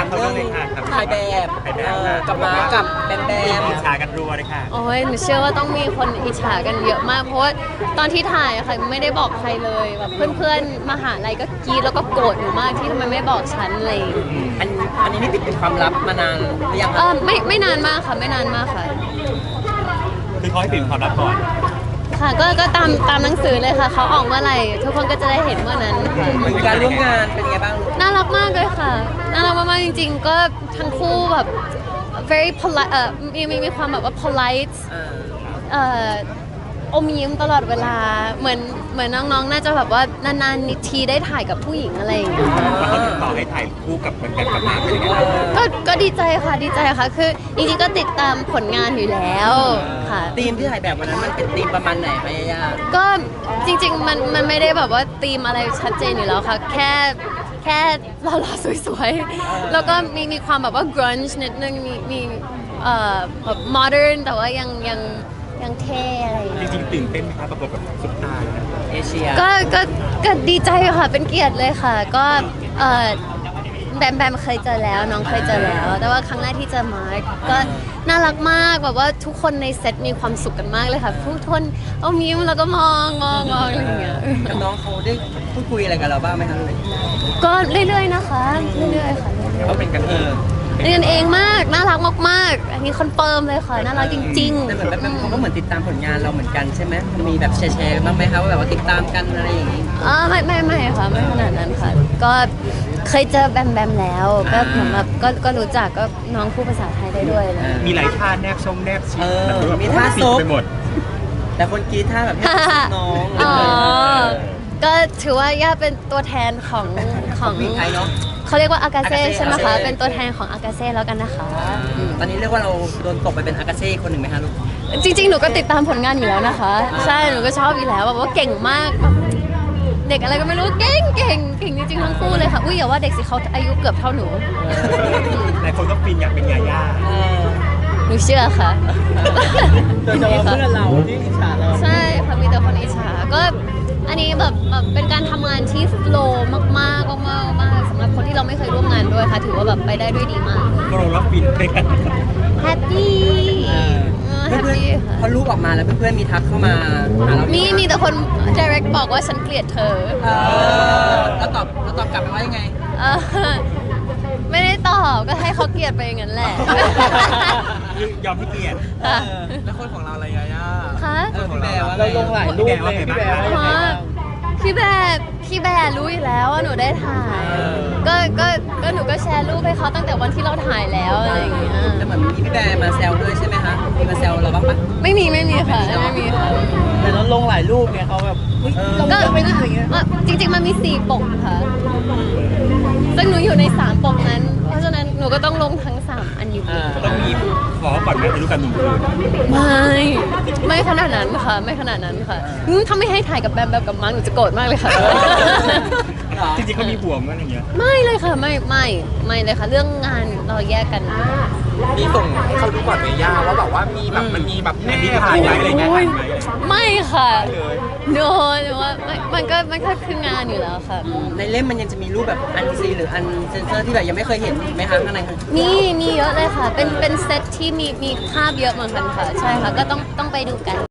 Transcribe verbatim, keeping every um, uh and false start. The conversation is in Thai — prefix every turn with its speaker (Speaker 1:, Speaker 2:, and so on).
Speaker 1: เขาเรื่องเลยค่ะ
Speaker 2: ถ่ายแบบ
Speaker 1: ถ่ายแบ
Speaker 2: เอบ อ
Speaker 1: ค่ะ
Speaker 2: กับมากับแบมแบม
Speaker 1: อิจฉากันรัวเลยค่ะ
Speaker 3: โอ้ยหนูเชื่อว่าต้องมีคนอิจฉากันเยอะมาก เพราะว่าตอนที่ถ่ายอะค่ะไม่ได้บอกใครเลยแบบเพื่อนๆมหาลัยก็กรี๊ดแล้วก็โกรธหนูมากที่ทำไมไม่บอกฉันอะไรอย่างเลย
Speaker 2: อันอันนี้นี่ติดเป็นความลับมานานหรือยัง
Speaker 3: เออไม่ไม่นานมากค่ะไม่นานมากค่ะ
Speaker 1: คือเขาให้ปิดความลับก่อน
Speaker 3: ค่ะก็ก็ตามตามหนังสือเลยค่ะเขาออกเมื่อไหร่ทุกคนก็จะได้เห็นเมื่อนั้นค่ะ
Speaker 2: เหมือนการร่วมงานเป็นไงบ้าง
Speaker 3: น่ารักมากเลยค่ะน่ารักมากๆจริงๆ ก็ทั้งคู่แบบ very polite เอ่อมีมีมีความแบบว่า polite
Speaker 2: อ่า
Speaker 3: เอ่ออมยิ้มตลอดเวลาเหมือนเหมือนน้องๆ น่าจะแบบว่านานๆนิทีได้ถ่ายกับผู้หญิงอะไรอย่างเงี้ย
Speaker 1: แล้วเขาติดต่อให้ถ่ายคู่กับเป็นแบบกับมาเป็นยังไงบ้าง
Speaker 3: ก็ก็ดีใจค่ะดีใจค่ะ คือจริงๆ ก็ติดตามผลงานอยู่แล้วค่ะ
Speaker 2: ทีมที่ถ่ายแบบวันนั้นมันเป็นทีมประมาณไหนคะยาย่า
Speaker 3: ก็จริงๆ มันมันไม่ได้แบบว่าธีมอะไรชัดเจนอยู่แล้วค่ะ แค่แค่หล่อๆสวยๆ แล้วก็มีมีความแบบว่า grunge นิดนึงมีมีเอ่อแบบ modern แต่ว่ายังยังยังเท่อะไรอย่าง
Speaker 1: จ
Speaker 3: เงี้ย
Speaker 1: ริงๆตื่นเต้นไหมคะประกบกับซุปตาร์นะ
Speaker 2: เอเชีย
Speaker 3: ก็ก็ก็ดีใจค่ะเป็นเกียรติเลยค่ะ ก็เอ่อแบมแบมเคยเจอแล้วน้องเคยเจอแล้ว แต่ว่าครั้งแรกที่เจอมาร์คก็น่ารักมากแบบว่าทุกคนในเซตมีความสุขกันมากเลยค่ะทุกคนเอายิ้มแล้วก็มองมองมองอะไรอย่างเงี้ย
Speaker 2: กับน้องเขาได้พูดคุยอะไรกับเราบ้างไหมคะเลย
Speaker 3: ก็เรื่อยๆนะคะเรื่อยๆค่ะ
Speaker 1: เขาเป็นกันเอง
Speaker 3: เรียนเองมากน่ารักมากๆ อันนี้คอนเฟิร์มเลยค่ะน่ารักจริงๆ
Speaker 2: แต่เหมือนแบบเขาก็เหมือนติดตามผลงานเราเหมือนกันใช่ไหมมีแบบแชร์ๆบ้างไหมคะว่าแบบว่าติดตามกันอะไรอย่างนี้
Speaker 3: อ๋อไม่ไม่ไม่ค่ะไม่ขนาดนั้นค่ะ ก็เคยเจอแบมแบมแล้วก็เหมือนแบบก็ก็รู้จักก็น้องพูดภาษาไทยได้ด้วยเลย
Speaker 1: มีหลายท่าแนบชงแนบชิด
Speaker 2: เออ
Speaker 1: แบบ
Speaker 2: มีท่า
Speaker 1: ปิ
Speaker 2: ซ
Speaker 1: ด
Speaker 2: บ
Speaker 1: ไปหมด
Speaker 2: แต่คนกรีดท่าแบบให้น้อง
Speaker 3: อ๋อ ก็ถือว่าย่าเป็นตัวแทนของของ
Speaker 2: ผู้หญิงไทยเนาะ
Speaker 3: เขาเรียกว่าอากาเซ่
Speaker 2: Agase
Speaker 3: ใช่ไหมคะ
Speaker 2: Agase
Speaker 3: เป็นตัวแทนของอากาเซ่แล้วกันนะคะ
Speaker 2: ตอนนี้เรียกว่าเราโดนตกไปเป็นอากาเซ่คนหนึ่งไหมคะลูก
Speaker 3: จริงๆ หนูก็ติดตามผลงานอยู่แล้วนะคะ ใช่ หนูก็ชอบอยู่แล้วแบบว่าเก่งมากแบบเด็กอะไรก็ไม่รู้เก่งเก่งเก่งจริงๆ ทั้งคู่เลยค่ะ อุ้ยอย่าว่าเด็กสิเขาอายุเกือบเท่าหนู
Speaker 1: หลายคนก็ฟินอยากเป็นยาย่า
Speaker 3: หนูเชื่อค่ะ
Speaker 2: โดยเฉพาะเพื่อนเราที่อิจฉาเรา
Speaker 3: ใช่ค่ะมีแต่คนอิจฉาก็อันนี้แบบแบบเป็นการทำงานที่โฟลว์มากๆมากๆมากๆสำหรับคนที่เราไม่เคยร่วมงานด้วยค่ะ ถือว่าแบบไปได้ด้วยดีมาก
Speaker 1: ก็เรารับฟินด้วยกัน
Speaker 3: แฮปปี้แฮป
Speaker 2: เพื่อน
Speaker 3: ปี้
Speaker 2: ๆ
Speaker 3: ค่ะ
Speaker 2: พอรูปออกมาแล้วเพื่อนๆมีทักเข้ามาหาเรา
Speaker 3: มีมีแต่คน direct บอกว่าฉันเกลียดเธอ
Speaker 2: เออแล้วตอบแล้วตอบกลับไปว่ายังไง
Speaker 3: เออไม่ได้ตอบก็ให้เขาเกลียดไปอย่างนั้นแหละ
Speaker 1: ยอมให้เกียรติ
Speaker 3: ค่ะ
Speaker 2: แล้วคนของเราอะไรยาย่า
Speaker 3: คะ
Speaker 2: เออพี่แบร์ว่าเราลงหลายรูปเลยพี่แบร์ว่ายังไงบ้าง
Speaker 3: พี่แบร์พี่แบร์รู้อยู่แล้วว่าหนูได้ถ่าย ก็ก็ก็หนูก็แชร์รูปให้เขาตั้งแต่วันที่เราถ่ายแล้วอะไรอย่างเงี้ย
Speaker 2: แต่เหมือนมีพี่แบร์มาแซวด้วยใช่ไหมคะมีมาแซวเราบ้างปะ
Speaker 3: ไม่มีไม่มีค่ะไม่มีค่ะ
Speaker 2: แต่เราลงหลายรูปไงเขาแบบก็ไม่ได้อะไรเงี้ย
Speaker 3: อ่ะจริง ๆ มันมีสี่ปกค่ะซึ่งหนูอยู่ในสามปกนั้น เพราะฉะนั้นหนูก็ต้องลงทั้งสามอันอยู่ดี
Speaker 1: ต้องมีขอก่อนไหมอายุกันหนึ่งคืน
Speaker 3: ไม่ไม่ขนาดนั้นค่ะ ไม่ขนาดนั้นค่ะอืมถ้าไม่ให้ถ่ายกับแบมแบบกับมังหนูจะโกรธมากเลยค่ะ
Speaker 1: จริงๆเขามีห่วงกันอย่างเงี้ย
Speaker 3: ไม่เลยค่ะไม่ไม่ไม่เลยค่ะ เรื่องงานเราแยกกัน
Speaker 4: มีส่งให้เขาดูก่อนไหมย่าว่าแบบว่ามีแบบมันมีแบบ
Speaker 1: แอนที่ถ่ายไว้อะไรเงี้ยถ่ายไว้
Speaker 3: ไม่ค่ะ no แต่ว่าไม่มันก็มันก็คืองานอยู่แล้วค่ะ
Speaker 2: ในเล่มมันยังจะมีรูปแบบอันซีหรืออันเซนเซอร์ที่แบบยังไม่เคยเห็นไหมคะข้างใน
Speaker 3: มีมีเยอะเลยค่ะ เป็นเป็นเซตที่มีมีภาพเยอะเหมือนกันค่ะ ใช่ค่ะ ก็ต้องต้องไปดูกัน